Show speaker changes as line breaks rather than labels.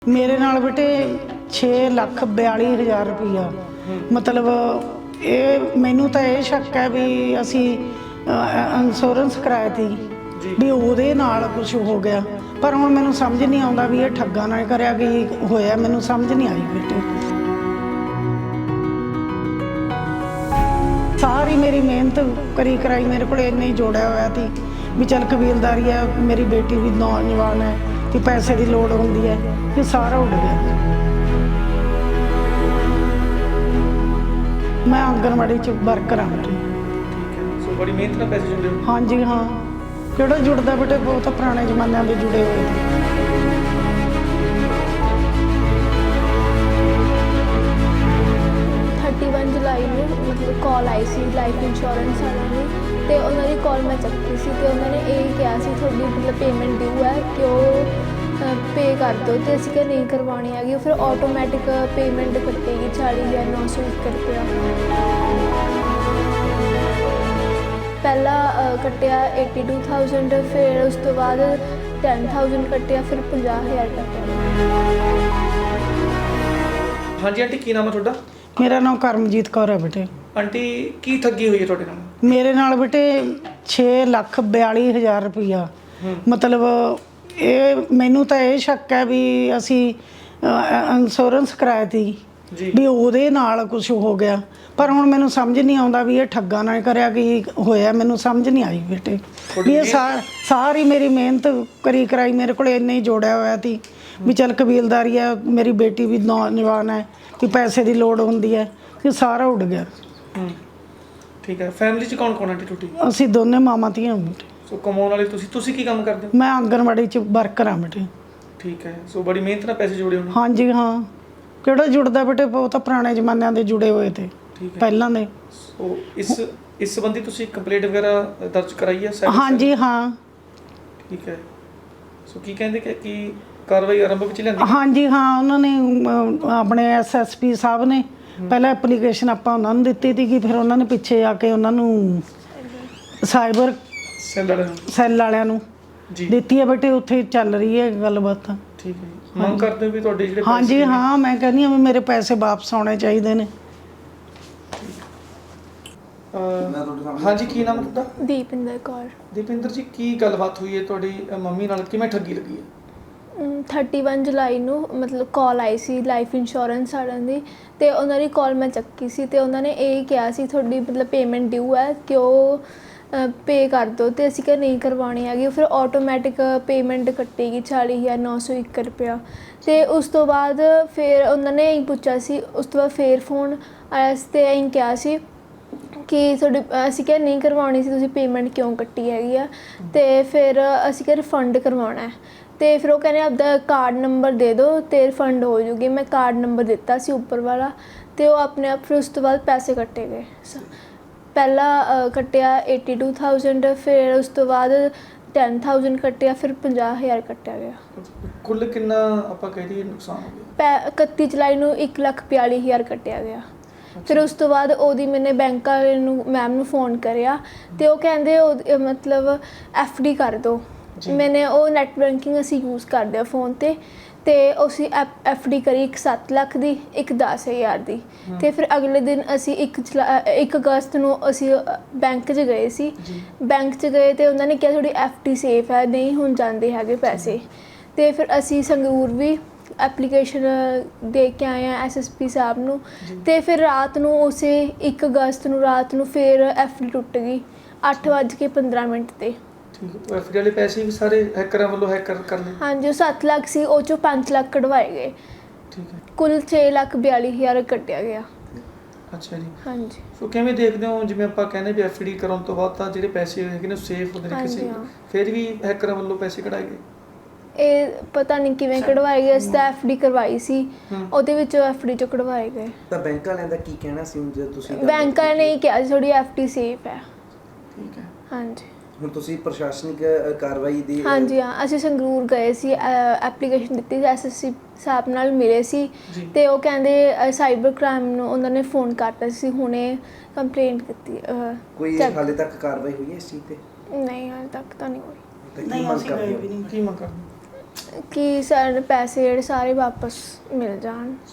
मेरे नाल बेटे 6,42,000 रुपया मतलब ये मैनू तो ये शक है भी असी इंश्योरेंस कराया थी भी ਉਹਦੇ ਨਾਲ कुछ हो गया पर हुण मैनू समझ नहीं आउंदा भी ये ठग्गा ना करिया कि होया मैनू समझ नहीं आई बेटे। सारी मेरी मेहनत करी कराई मेरे को इन्ने ही जोड़िया होया थी भी चल कबीलदारी है मेरी बेटी भी नौजवान है कि पैसे की लोड़ होंदी है कि सारा उड़ गया। मैं आंगनवाड़ी च वर्कर हाँ।
सो बड़ी मेहनत ਨਾਲ ਪੈਸੇ ਜੁੜੇ ਹੋ।
हाँ जी हाँ ਕਿਹੜਾ जुड़ता बेटे बहुत पुराने जमाने के जुड़े हुए थे।
31 जुलाई ਨੂੰ मतलब कॉल आई सी लाइफ इंश्योरेंस वालों ने ਤੇ ਉਹਨਾਂ ਦੀ ਕਾਲ ਮੈਂ ਚੱਕੀ ਸੀ ਤੇ ਉਹਨਾਂ ਨੇ ਇਹ ਕਿਹਾ ਸੀ ਤੁਹਾਡੀ ਮਤਲਬ ਪੇਮੈਂਟ ਡਿਊ ਹੈ ਕਿ ਉਹ ਪੇ ਕਰ ਦਿਓ ਤੇ ਅਸੀਂ ਕਿਹਾ ਨਹੀਂ ਕਰਵਾਉਣੀ ਹੈਗੀ। ਉਹ ਫਿਰ ਆਟੋਮੈਟਿਕ ਪੇਮੈਂਟ ਕੱਟੇਗੀ 40,901 ਰੁਪਇਆ। ਪਹਿਲਾ ਕੱਟਿਆ 82,000 ਫਿਰ ਉਸ ਤੋਂ ਬਾਅਦ 10,000 ਕੱਟਿਆ ਫਿਰ 50,000 ਕੱਟਿਆ।
ਹਾਂਜੀ ਆਂਟੀ ਕੀ ਨਾਮ ਹੈ ਤੁਹਾਡਾ?
मेरा नाम करमजीत कौर है बेटे।
आंटी की ठगी हुई है ਤੁਹਾਡੇ ਨਾਲ?
मेरे नाल बेटे 6,42,000 रुपया मतलब ये मैनू तो ये शक है भी असी इंश्योरेंस कराया थी भी ਉਹਦੇ ਨਾਲ कुछ हो गया पर हुण मैनू समझ नहीं आउंदा भी ये ठग्गा ना करिया कि होया मैनू समझ नहीं आई बेटे। भी ये सारी मेरी मेहनत करी कराई मेरे को इन्ने ही जोड़िया होया थी भी चल कबीलदारी है मेरी बेटी भी नौजवान है कि पैसे की लोड़ होंदी है कि सारा उड़ गया।
ठीक है फैमिली च कौन कौन आंटी टूटी?
ਅਸੀਂ ਦੋਨੇ ਮਾਮਾ ਧੀਆਂ ਬੇਟੇ।
ਸੋ ਕਮਾਉਣ ਵਾਲੇ ਤੁਸੀਂ ਕੀ ਕੰਮ ਕਰਦੇ ਹੋ?
ਮੈਂ ਆਂਗਨਵਾੜੀ ਚ ਵਰਕਰ ਹਾਂ ਬੇਟੇ।
ਠੀਕ ਹੈ ਸੋ ਬੜੀ ਮਿਹਨਤ ਨਾਲ ਪੈਸੇ ਜੋੜੇ ਹੋਣੇ।
ਹਾਂਜੀ ਹਾਂ ਕਿਹੜਾ ਜੁੜਦਾ ਬੇਟੇ ਬਹੁਤ ਪੁਰਾਣੇ ਜ਼ਮਾਨਿਆਂ ਦੇ ਜੁੜੇ ਹੋਏ ਤੇ ਪਹਿਲਾਂ ਦੇ।
ਸੋ ਇਸ ਸੰਬੰਧੀ ਤੁਸੀਂ ਕੰਪਲੇਂਟ ਵਗੈਰਾ ਦਰਜ ਕਰਾਈ ਹੈ?
ਹਾਂਜੀ ਹਾਂ
ਠੀਕ ਹੈ ਸੋ ਕੀ ਕਹਿੰਦੇ ਕਿ ਕਾਰਵਾਈ ਆਰੰਭ ਵਿੱਚ ਲਿਆਂਦੀ?
ਹਾਂਜੀ ਹਾਂ ਉਹਨਾਂ ਨੇ ਆਪਣੇ ਐਸਐਸਪੀ ਸਾਹਿਬ ਨੇ ਪਹਿਲਾਂ ਐਪਲੀਕੇਸ਼ਨ ਆਪਾਂ ਉਹਨਾਂ ਨੂੰ ਦਿੱਤੀ ਸੀ ਕਿ ਫਿਰ ਉਹਨਾਂ ਨੇ ਪਿੱਛੇ ਆ ਕੇ ਉਹਨਾਂ ਨੂੰ ਸਾਈਬਰ ਸੈੱਲ ਵਾਲਿਆਂ ਨੂੰ ਦਿੱਤੀ ਹੈ ਬੇਟੇ। ਉੱਥੇ ਚੱਲ ਰਹੀ ਹੈ ਗੱਲਬਾਤ।
ਠੀਕ ਹੈ ਮੰਗ ਕਰਦੇ ਹੋ ਵੀ ਤੁਹਾਡੇ ਜਿਹੜੇ
ਹਾਂਜੀ ਹਾਂ ਮੈਂ ਕਹਿੰਦੀ ਹਾਂ ਵੀ ਮੇਰੇ ਪੈਸੇ ਵਾਪਸ ਆਉਣੇ ਚਾਹੀਦੇ ਨੇ।
ਹਾਂਜੀ ਕੀ ਨਾਮ ਹੈ ਤੁਹਾਡਾ?
ਦੀਪਿੰਦਰ ਕੌਰ।
ਦੀਪਿੰਦਰ ਜੀ ਕੀ ਗੱਲਬਾਤ ਹੋਈ ਹੈ ਤੁਹਾਡੀ ਮੰਮੀ ਨਾਲ ਕਿਵੇਂ ਠੱਗੀ ਲੱਗੀ ਹੈ?
31 ਜੁਲਾਈ ਨੂੰ ਮਤਲਬ ਕਾਲ ਆਈ ਸੀ ਲਾਈਫ ਇੰਸ਼ੋਰੈਂਸ ਵਾਲਿਆਂ ਦੀ ਤੇ ਉਹਨਾਂ ਦੀ ਕਾਲ ਮੈਂ ਚੱਕੀ ਸੀ ਤੇ ਉਹਨਾਂ ਨੇ ਇਹ ਕਿਹਾ ਸੀ ਤੁਹਾਡੀ ਮਤਲਬ ਪੇਮੈਂਟ ਡਿਊ ਹੈ ਕਿ ਉਹ ਪੇ ਕਰ ਦਿਓ ਤੇ ਅਸੀਂ ਕਿਹਾ ਨਹੀਂ ਕਰਵਾਉਣੀ ਹੈਗੀ। ਉਹ ਫਿਰ ਆਟੋਮੈਟਿਕ ਪੇਮੈਂਟ ਕੱਟੇਗੀ 40,901 ਰੁਪਇਆ। ਤੇ ਉਸ ਤੋਂ ਬਾਅਦ ਫਿਰ ਉਹਨਾਂ ਨੇ ਇਹੀ ਪੁੱਛਿਆ ਸੀ। ਉਸ ਤੋਂ ਬਾਅਦ ਫਿਰ ਫੋਨ ਆਇਆ ਸੀ ਤੇ ਇਹੀ ਕਿਹਾ ਸੀ ਕਿ ਤੁਹਾਡੀ ਅਸੀਂ ਕਿਹਾ ਨਹੀਂ ਕਰਵਾਉਣੀ ਸੀ ਤੁਸੀਂ ਪੇਮੈਂਟ ਕਿਉਂ ਕੱਟੀ ਹੈਗੀ ਆ ਤੇ ਫਿਰ ਅਸੀਂ ਕਿਹਾ ਰਿਫੰਡ ਕਰਵਾਉਣਾ ਹੈ ਤੇ ਫਿਰ ਉਹ ਕਹਿੰਦੇ ਆਪਦਾ ਕਾਰਡ ਨੰਬਰ ਦੇ ਦਿਓ ਤੇ ਰਿਫੰਡ ਹੋ ਜੂਗੀ। ਮੈਂ ਕਾਰਡ ਨੰਬਰ ਦਿੱਤਾ ਸੀ ਉੱਪਰ ਵਾਲਾ ਤੇ ਉਹ ਆਪਣੇ ਆਪ ਫਿਰ ਉਸ ਤੋਂ ਬਾਅਦ ਪੈਸੇ ਕੱਟੇ ਗਏ। ਪਹਿਲਾ ਕੱਟਿਆ 82,000 ਫਿਰ ਉਸ ਤੋਂ ਬਾਅਦ 10,000 ਕੱਟਿਆ ਫਿਰ 50,000 ਕੱਟਿਆ ਗਿਆ।
ਕੁੱਲ ਕਿੰਨਾ ਆਪਾਂ ਕਹਿ ਦਈਏ ਨੁਕਸਾਨ ਹੋ ਗਿਆ?
31 ਜੁਲਾਈ ਨੂੰ 1,42,000 ਕੱਟਿਆ ਗਿਆ। ਫਿਰ ਉਸ ਤੋਂ ਬਾਅਦ ਉਹਦੀ ਮੈਨੇ ਬੈਂਕ ਵਾਲੇ ਨੂੰ ਮੈਮ ਨੂੰ ਫੋਨ ਕਰਿਆ ਤੇ ਉਹ ਕਹਿੰਦੇ ਉਹ ਮਤਲਬ FD ਕਰ ਦਿਓ। ਮੈਨੇ ਉਹ ਨੈੱਟ ਬੈਂਕਿੰਗ ਅਸੀਂ ਯੂਜ਼ ਕਰਦੇ ਹਾਂ ਫ਼ੋਨ 'ਤੇ ਤੇ ਅਸੀਂ FD ਕਰੀ ਇੱਕ 7 ਲੱਖ ਦੀ ਇੱਕ 10,000 ਦੀ। ਤੇ ਫਿਰ ਅਗਲੇ ਦਿਨ ਅਸੀਂ 1 ਅਗਸਤ ਨੂੰ ਅਸੀਂ ਬੈਂਕ 'ਚ ਗਏ ਸੀ। ਬੈਂਕ 'ਚ ਗਏ ਤੇ ਉਹਨਾਂ ਨੇ ਕਿਹਾ ਤੁਹਾਡੀ FD ਸੇਫ ਹੈ ਨਹੀਂ ਹੁਣ ਜਾਂਦੇ ਹੈਗੇ ਪੈਸੇ। ਤੇ ਫਿਰ ਅਸੀਂ ਸੰਗਰੂਰ ਵੀ ਐਪਲੀਕੇਸ਼ਨ ਦੇ ਕੇ ਆਏ ਹਾਂ SSP ਸਾਹਿਬ ਨੂੰ ਤੇ ਫਿਰ ਰਾਤ ਨੂੰ ਉਸੇ 1 ਅਗਸਤ ਨੂੰ ਰਾਤ ਨੂੰ ਫਿਰ FD ਟੁੱਟ ਗਈ 8:15 ਤੇ।
FD ਵਾਲੇ ਪੈਸੇ ਵੀ ਸਾਰੇ ਹੈਕਰਾਂ ਵੱਲੋਂ ਹੈਕਰ ਕਰ ਲਏ? ਹਾਂਜੀ
ਉਹ 7 ਲੱਖ ਸੀ ਉਹ 'ਚੋਂ 5 ਲੱਖ ਕਢਵਾਏ ਗਏ।
ਠੀਕ ਹੈ ਕੁੱਲ
6,42,000 ਕੱਟਿਆ ਗਿਆ।
ਅੱਛਾ ਜੀ
ਹਾਂਜੀ
ਸੋ ਕਿਵੇਂ ਦੇਖਦੇ ਹੋ ਜਿਵੇਂ ਆਪਾਂ ਕਹਿੰਦੇ ਵੀ FD ਕਰਾਉਣ ਤੋਂ ਬਾਅਦ ਤਾਂ ਜਿਹੜੇ ਪੈਸੇ ਹੈਗੇ ਨੇ ਸੇਫ ਹੁੰਦੇ ਨੇ ਕਿਸੇ ਫਿਰ ਵੀ ਹੈਕਰਾਂ ਵੱਲੋਂ ਪੈਸੇ ਕਢਾਏ ਗਏ? ਇਹ
ਪਤਾ ਨਹੀਂ ਕਿਵੇਂ ਕਢਵਾਏ ਗਏ। ਅਸੀਂ ਤਾਂ FD ਕਰਵਾਈ ਸੀ ਉਹਦੇ ਵਿੱਚੋਂ FD 'ਚੋਂ ਕਢਵਾਏ ਗਏ।
ਤਾਂ ਬੈਂਕ ਵਾਲਿਆਂ ਦਾ ਕੀ ਕਹਿਣਾ ਸੀ ਜੇ ਤੁਸੀਂ?
ਬੈਂਕ ਵਾਲਿਆਂ ਨੇ ਇਹ ਕਿਹਾ ਤੁਹਾਡੀ FD ਸੇਫ ਹੈ।
ਠੀਕ ਹੈ ਹਾਂਜੀ
ਹੁਣ ਤੁਸੀਂ ਪ੍ਰਸ਼ਾਸਨਿਕ ਕਾਰਵਾਈ ਦੀ?
ਹਾਂਜੀ ਹਾਂ ਅਸੀਂ ਸੰਗਰੂਰ ਗਏ ਸੀ ਐਪਲੀਕੇਸ਼ਨ ਦਿੱਤੀ ਸੀ SSP ਸਾਹਿਬ ਨਾਲ ਮਿਲੇ ਸੀ ਤੇ ਉਹ ਕਹਿੰਦੇ ਸਾਈਬਰ ਕ੍ਰਾਈਮ ਨੂੰ ਉਹਨਾਂ ਨੇ ਫੋਨ ਕਰਤਾ ਸੀ ਹੁਣੇ ਕੰਪਲੇਂਟ ਕੀਤੀ।
ਕੋਈ ਹਾਲੇ ਤੱਕ ਕਾਰਵਾਈ ਹੋਈ ਹੈ ਇਸ ਚੀਜ਼ ਤੇ?
ਨਹੀਂ ਹਾਲੇ ਤੱਕ ਤਾਂ ਨਹੀਂ ਹੋਈ।
ਕੀ ਮੰਗ ਕਰਦੇ?
ਕੀ ਮੰਗ ਕਰਦੇ?
ਕਿ ਸਾਡੇ ਪੈਸੇ ਜਿਹੜੇ ਸਾਰੇ ਵਾਪਸ ਮਿਲ ਜਾਣ।